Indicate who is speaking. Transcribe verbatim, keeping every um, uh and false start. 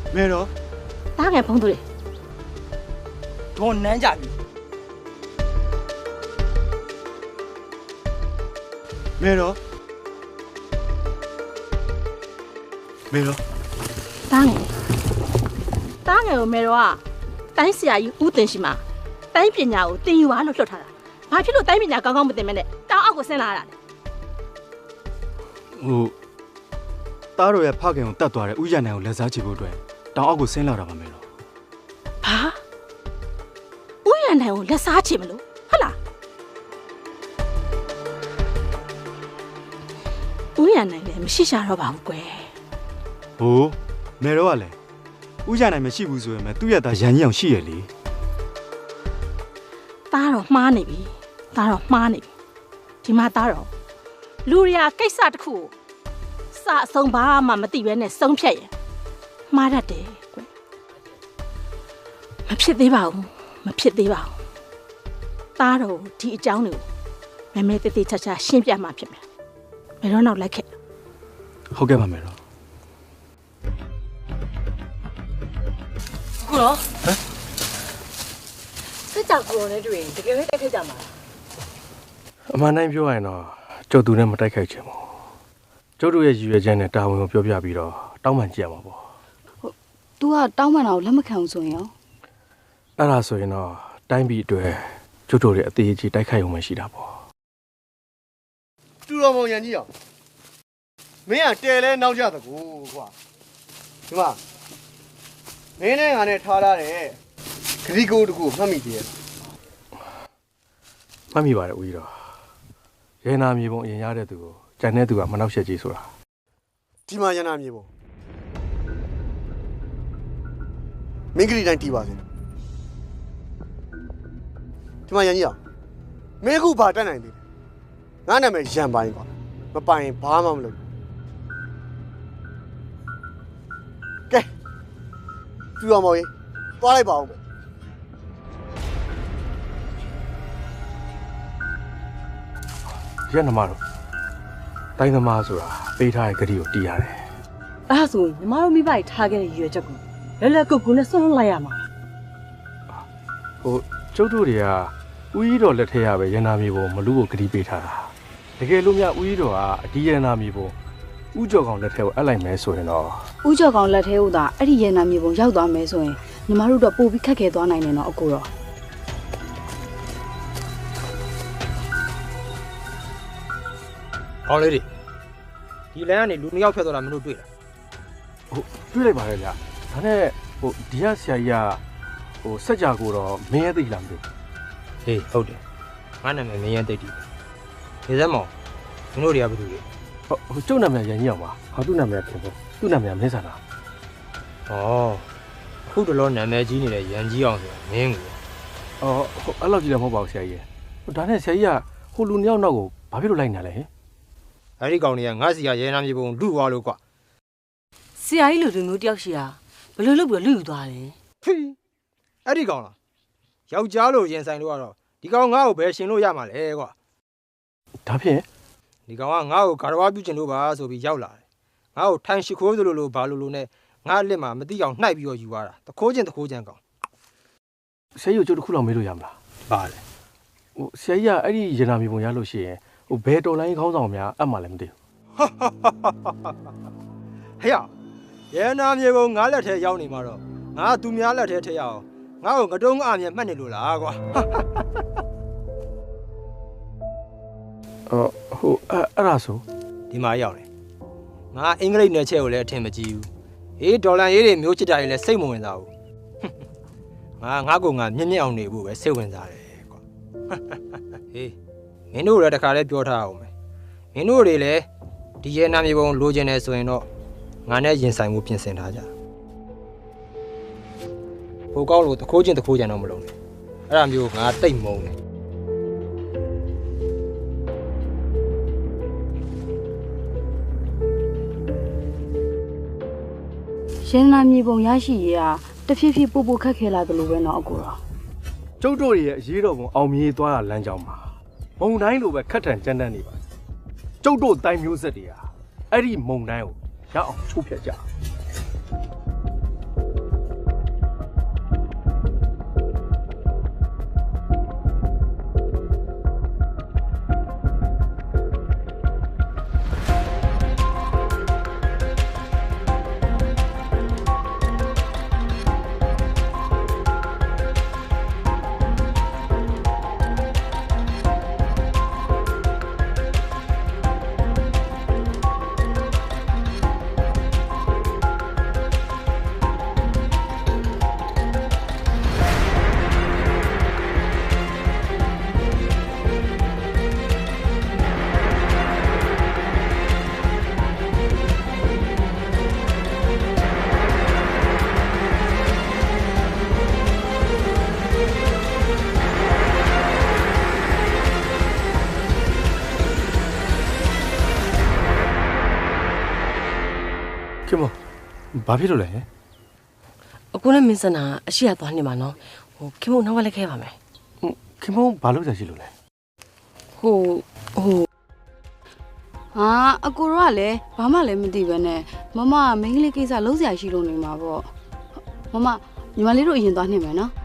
Speaker 1: မဲတော့
Speaker 2: တားငယ်ဖုံးသူလေ
Speaker 1: ဒေါ်နန်းကြပြီမဲတော့မဲတော့
Speaker 2: တားငယ်တားငယ်ကိုမဲတော့ကတိုင်းဆရာကြီးဦးတင်ရှိမှာတိုင်းပညာကိုတင်ယူပါလို့လွှတ်ထားတာဘာဖြစ်လို့တိုင်းပညာကောင်းကောင်းမသင်မဲနဲ့တောင်အောက်ကိုဆင်းလာတာလဲ
Speaker 1: ဟိုတားတော်ရဲ့ဖခင်ကိုတတ်သွားတဲ့ဥယျာဉ်နိုင်ကိုလက်စားချဖို့အတွက်တောင်အောက်ကိုဆင်းလာတာပါမဲတော့
Speaker 2: ဘာဥယျာဉ်နိုင်ကိုလက်စားချမလို့ဟုတ်လားဥယျာဉ်နိုင်လည်းမရှိရှာတော့ပါဘူးကွယ်
Speaker 1: ဟိုမဲတော့ကလည်းဥယျာဉ်နိုင်မရှိဘူးဆိုရင်မဲသူ့ရဲ့သားရန်ကြီးအောင်ရှိရလေ
Speaker 2: တားတော့မှားနေပြီတားတော့မှားနေပြီဒီမှာတားတော့လူရီယာကိစ္စတစ်ခုကိုစအဆုံးဘာမှမသိဘဲနဲ့ဆုံးဖြတ်ရင်မှားတတ်တယ်ကွယ်မဖြစ်သေးပါဘူးမဖြစ်သေးပါဘူးတားတော့ဒီအကြောင်းတွေကိုမဲမဲတေးသေးချာချာရှင်းပြမှဖြစ်မယ်မဲတော့နောက်လိုက်ခဲ့
Speaker 1: ဟုတ်ကဲ့ပါမဲတော့
Speaker 3: ကိုရောဟမ်စစ်ကြောက်ကိုနဲ့တွေ့ရင်တကယ်ပဲတိုက်ခိုက်ကြမှာ
Speaker 4: အမှန်တိုင်းပြောရရင်တော့ကျုပ်သူနဲ့မတိုက်ခိုက်ချင်ဘူးကျုပ်တို့ရဲ့ရည်ရွယ်ချက်နဲ့တာဝန်ကိုပြောပြပြီးတော့တောင်းပန်ကြရမှာပေါ့
Speaker 3: ဟုတ် तू ကတောင်းပန်တာကိုလက်မခံဘူးဆိုရင်ရော
Speaker 4: အဲ့ဒါဆိုရင်တော့တိုင်းပြည်အတွက်ကျုပ်တို့ရဲ့အသေးအကြီးတိုက်ခိုက်ရုံပဲရှိတာပေါ့
Speaker 5: တူတော်မောင်ရန်ကြီးအောင်မင်းကတဲလဲနောက်ကြသကူကွာဒီမှာမင်းနဲ့ငါနဲ့ထားလာတဲ့ဂရီကိုတကူမှတ်မိသေးရဲ့
Speaker 4: မှတ်မိပါတယ်ဦးကြီးတော်ရဲနာမြေပုံအရင်ရတဲ့သူကိုကြံတဲ့သူကမနှောက်ယှက်ကြီးဆိုတာ
Speaker 5: ဒီမှာရနာမြေပုံမင်းဂရီတိုင်းတီးပါစေဒီမှာရန်ကြီးအောင်မင်းခုဘာတက်နိုင်သေးလဲငါနာမည်ရန်ပိုင်းကွာမပိုင်ဘာမှမလုပ်ကဲတူတော်မောင်ကြီးသွားလိုက်ပါဦး
Speaker 4: ရဲနမတို့တိုင်းသမားဆိုတာပေးထားတဲ့ဂရီကိုတီးရတယ်
Speaker 3: အဲ့ဒါဆိုညီမတို့မိဘကြီးထားခဲ့တဲ့ရွယ်ချက်ကိုလက်လက်ကုတ်ကုတ်နဲ့ဆွန့်လိုက်ရမှာ
Speaker 4: ဟိုကျုပ်တို့တွေကဦးကြီးတော်လက်ထက်ရပဲရန်နာမြေပုံမလူကိုဂရီပေးထားတာတကယ်လို့များဦးကြီးတော်ကအဒီရန်နာမြေပုံဦးကျော်ကောင်လက်ထက်ကိုအပ်လိုက်မယ်ဆိုရင်တော့
Speaker 3: ဦးကျော်ကောင်လက်ထဲကိုသာအဲ့ဒီရန်နာမြေပုံရောက်သွားမယ်ဆိုရင်ညီမတို့တော့ပို့ပြီးခက်ခဲသွားနိုင်တယ်နော်အကိုတော့
Speaker 6: ကောင်းလေးတွေဒီလမ်းကနေလူနှစ်ယောက်ဖျက်သွားတာမင်းတို့တွေ့လား
Speaker 4: ဟုတ်တွေ့လိုက်ပါရဲ့ဗျာဒါနဲ့ဟိုဒီကဆရာကြီးကဟိုစက်ကြကိုတော့မင်းရဲ့သိလားမသိဘူး
Speaker 6: ဟေးဟုတ်တယ်ငါနာမည်မင်းရဲ့သိတယ်နေစမ်းမောင်မင်းတို့တွေကဘာလုပ်လဲ
Speaker 4: ဟုတ်ဟိုကျုပ်နာမည်ရန်ကြီးအောင်ပါဟာသူ့နာမည်ခင်ဗျသူ့နာမည်မင်းဆန္ဒ
Speaker 6: ဩအခုတလောနာမည်ကြီးနေတဲ့ရန်ကြီးအောင်ဆိုတာမင်းကို
Speaker 4: အော်ဟိုအဲ့လောက်ကြီးလည်းမဟုတ်ပါဘူးဆရာကြီးဟိုဒါနဲ့ဆရာကြီးကဟိုလူနှစ်ယောက်နောက်ကိုဘာဖြစ်လို့လိုက်နေလဲဟင်
Speaker 6: အဲ့ဒီကောင်တွေကငါစီကရဲနာမြေပုံလူသွားလို့ကွာ
Speaker 3: ဆရာကြီးလူလူမျိုးတယောက်ရှိတာဘယ်လိုလုပ်ပြီးလူယူသွားလဲ
Speaker 6: ဖီအဲ့ဒီကောင်လားယောက်ျားလို့ရင်ဆိုင်လို့ကတော့ဒီကောင်ငါ့ကိုဘယ်ရှင်လို့ရမှာလဲကွာ
Speaker 4: ဒါဖြင့်
Speaker 6: ဒီကောင်ကငါ့ကိုဂါရဝပြုကျင်လို့ပါဆိုပြီးရောက်လာတယ်ငါ့ကိုထိုင်ရှိခိုးသလိုလိုဘာလိုလိုနဲ့ငါ့လက်မှာမတိအောင်နှိုက်ပြီးတော့ယူသွားတာတခိုးချင်းတခိုးချင်းကောင်
Speaker 4: ဆရာကြီးကိုကျုပ်တစ်ခုလောက်မေးလို့ရမလား
Speaker 6: ပါလေ
Speaker 4: ဟိုဆရာကြီးကအဲ့ဒီရနာမြေပုံရလို့ရှိရင်ဟိုဘယ်တော်လိုင်းခေါင်းဆောင်များအမှလည်းမသိဘူး
Speaker 6: ဟဲ့ရဲနာမြေပုံငါလက်ထဲရောက်နေမှာတော့ငါသူများလက်ထဲထည့်ရအောင်ငါ့ကိုငတုံးအမြဲမှတ်နေလို့လားကွာ
Speaker 4: အော်ဟိုအဲ့အဲ့ဒါဆို
Speaker 6: ဒီမှာရောက်နေငါအင်္ဂလိပ်နယ်ချက်ကိုလည်းအထင်မကြီးဘူးအေးဒေါ်လာရေးတွေမျိုးချစ်တာတွေလည်းစိတ်မဝင်စားဘူးငါငါကောင်ငါမြင့်မြင့်အောင်နေဖို့ပဲစိတ်ဝင်စားတယ်ကွာဟေးမင်းတို့လည်းတခါလဲပြောထားအောင်မယ်မင်းတို့တွေလည်းဒီရဲနာမြေပုံလိုချင်တယ်ဆိုရင်တော့ငါနဲ့ရင်ဆိုင်မှုပြင်ဆင်ထားကြဟိုကောင်းလို့တခိုးချင်းတခိုးကြံတော့မလုံးနဲ့အဲ့ဒါမျိုးငါတိတ်မုန်းတယ်
Speaker 3: ရန်နာမြေပုံရရှိရေးဟာတဖြည်းဖြည်းပို့ပို့ခက်ခဲလာတယ်လို့ပဲเนาะအကိုတော့
Speaker 4: ကျုပ်တို့ရဲ့အရေးတော်ပုံအောင်မြင်သွားတာလမ်းကြောင်းမှာမုံတိုင်းလိုပဲခက်ထန်ကြမ်းတမ်းနေပါကျုပ်တို့တိုင်းမျိုးဆက်တွေဟာအဲ့ဒီမုံတိုင်းကိုရအောင်ချိုးဖျက်ကြခင်မဘာဖြစ်လို့လဲ
Speaker 7: အခုနဲ့မင်းစနာအရှိရသွားနေမှာနော်ဟိုခင်မနောက်ကလည်းခဲပါမယ်
Speaker 4: ခင်မဘာလို့ကြာရှိလို့လဲ
Speaker 7: ဟိုဟို
Speaker 3: ဟာအကိုတို့ကလည်းဘာမှလည်းမသိပဲနဲ့မမကမိန်းကလေးကိစ္စလုံးစရာရှိလို့နေမှာပေါ့မမညီမလေးတို့အရင်သွားနေမယ်နော်